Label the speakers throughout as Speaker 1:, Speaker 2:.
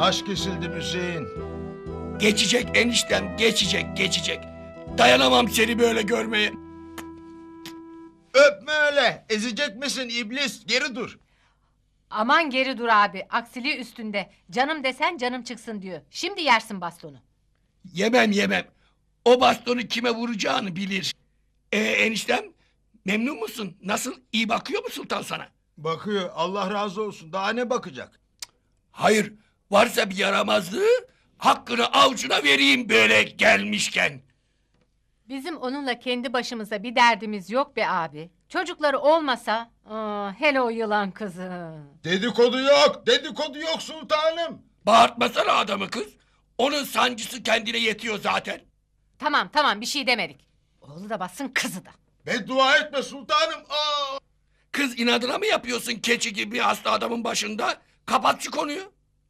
Speaker 1: Taş kesildim Hüseyin.
Speaker 2: Geçecek eniştem, geçecek. Dayanamam seni böyle görmeye.
Speaker 1: Öpme öyle. Ezecek misin iblis? Geri dur.
Speaker 3: Aman geri dur abi. Aksiliği üstünde. Canım desen canım çıksın diyor. Şimdi yersin bastonu.
Speaker 2: Yemem. O bastonu kime vuracağını bilir. Eniştem, memnun musun? Nasıl, iyi bakıyor mu sultan sana?
Speaker 1: Bakıyor. Allah razı olsun. Daha ne bakacak?
Speaker 2: Hayır, varsa bir yaramazlığı hakkını avucuna vereyim böyle gelmişken.
Speaker 3: Bizim onunla kendi başımıza bir derdimiz yok be abi. Çocukları olmasa... hele o yılan kızı.
Speaker 1: Dedikodu yok. Dedikodu yok sultanım.
Speaker 2: Bağırtmasana adamı kız. Onun sancısı kendine yetiyor zaten.
Speaker 3: Tamam bir şey demedik. Oğlu da bassın kızı da.
Speaker 1: Beddua etme sultanım. Aa!
Speaker 2: Kız inadına mı yapıyorsun keçi gibi hasta adamın başında? Kapat şu konuyu.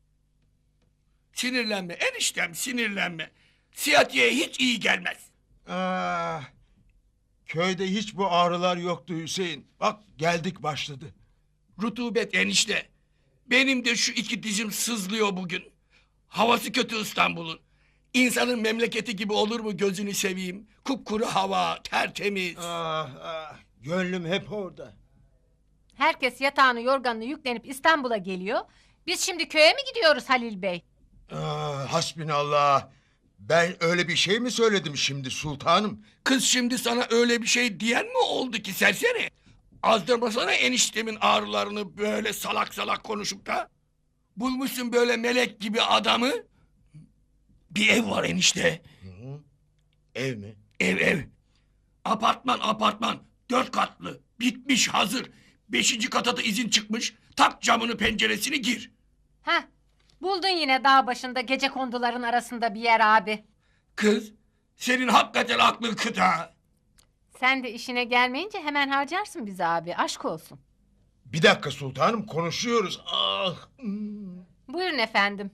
Speaker 2: Sinirlenme eniştem, sinirlenme. Siyatiye hiç iyi gelmez.
Speaker 1: Ah, köyde hiç bu ağrılar yoktu Hüseyin. Bak geldik başladı.
Speaker 2: Rutubet enişte. Benim de şu iki dizim sızlıyor bugün. Havası kötü İstanbul'un. İnsanın memleketi gibi olur mu gözünü seveyim? Kupkuru hava, tertemiz.
Speaker 1: Gönlüm hep orada.
Speaker 3: Herkes yatağını yorganını yüklenip İstanbul'a geliyor. Biz şimdi köye mi gidiyoruz Halil Bey?
Speaker 1: Hasbinallah. Ben öyle bir şey mi söyledim şimdi sultanım?
Speaker 2: Kız şimdi sana öyle bir şey diyen mi oldu ki serseri? Azdırmasana eniştemin ağrılarını böyle salak konuşup da. Bulmuşsun böyle melek gibi adamı. Bir ev var enişte.
Speaker 1: Ev mi?
Speaker 2: Ev. Apartman. 4 katlı. Bitmiş hazır. 5. kata da izin çıkmış. Tak camını penceresini gir.
Speaker 3: Heh, buldun yine dağ başında gecekonduların arasında bir yer abi.
Speaker 2: Kız senin hakikaten aklın kıta.
Speaker 3: Sen de işine gelmeyince hemen harcarsın bizi abi. Aşk olsun.
Speaker 1: Bir dakika sultanım konuşuyoruz.
Speaker 3: Buyurun efendim.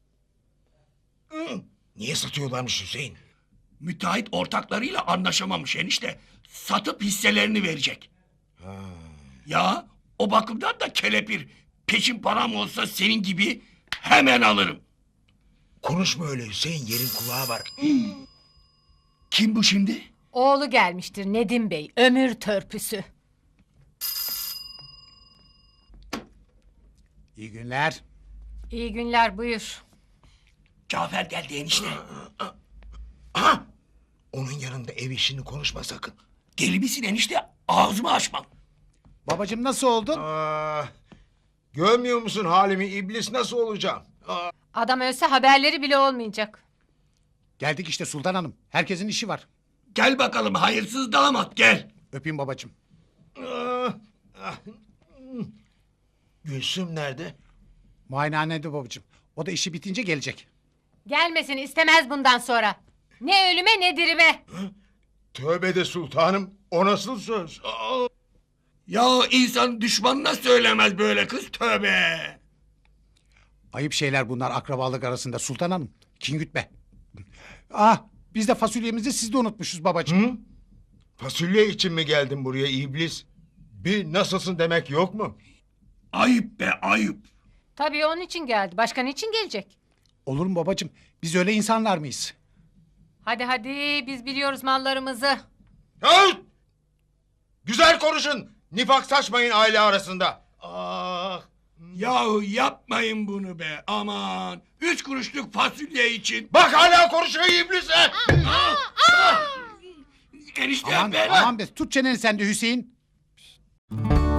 Speaker 1: Niye satıyorlarmış Hüseyin?
Speaker 2: Müteahhit ortaklarıyla anlaşamamış enişte. Satıp hisselerini verecek. Ya o bakımdan da kelepir. Peşin param olsa senin gibi hemen alırım.
Speaker 1: Konuşma öyle Hüseyin, yerin kulağı var.
Speaker 2: Kim bu şimdi?
Speaker 3: Oğlu gelmiştir Nedim Bey. Ömür törpüsü.
Speaker 4: İyi günler.
Speaker 3: İyi günler buyur.
Speaker 2: Cafer geldi enişte.
Speaker 1: Aha! Onun yanında ev işini konuşma sakın.
Speaker 2: Deli misin enişte? Ağzımı açmam.
Speaker 4: Babacığım nasıl oldun?
Speaker 1: Görmüyor musun halimi, iblis nasıl olacağım?
Speaker 3: Adam ölse haberleri bile olmayacak.
Speaker 4: Geldik işte Sultan Hanım. Herkesin işi var.
Speaker 2: Gel bakalım hayırsız damat gel.
Speaker 4: Öpeyim babacığım.
Speaker 1: Gülsüm nerede?
Speaker 4: Muayenehanede babacığım. O da işi bitince gelecek.
Speaker 3: Gelmesin istemez bundan sonra. Ne ölüme ne dirime.
Speaker 1: Tövbe de sultanım, o nasıl söz?
Speaker 2: Ya insan düşmanına söylemez böyle kız tövbe.
Speaker 4: Ayıp şeyler bunlar akrabalık arasında Sultan Hanım. Kin gütme. Biz de fasulyemizi siz de unutmuşuz babacığım.
Speaker 1: Fasulye için mi geldin buraya iblis? Bir nasılsın demek yok mu?
Speaker 2: Ayıp be ayıp.
Speaker 3: Tabii onun için geldi. Başka niçin gelecek?
Speaker 4: Olur mu babacığım? Biz öyle insanlar mıyız?
Speaker 3: Hadi biz biliyoruz mallarımızı.
Speaker 1: Hey! Güzel konuşun. Nifak saçmayın aile arasında.
Speaker 2: Yahu yapmayın bunu be aman. 3 kuruşluk fasulye için.
Speaker 1: Bak hala konuşuyor iblis.
Speaker 2: Enişte ben.
Speaker 4: Aman be tut çeneni sen de Hüseyin.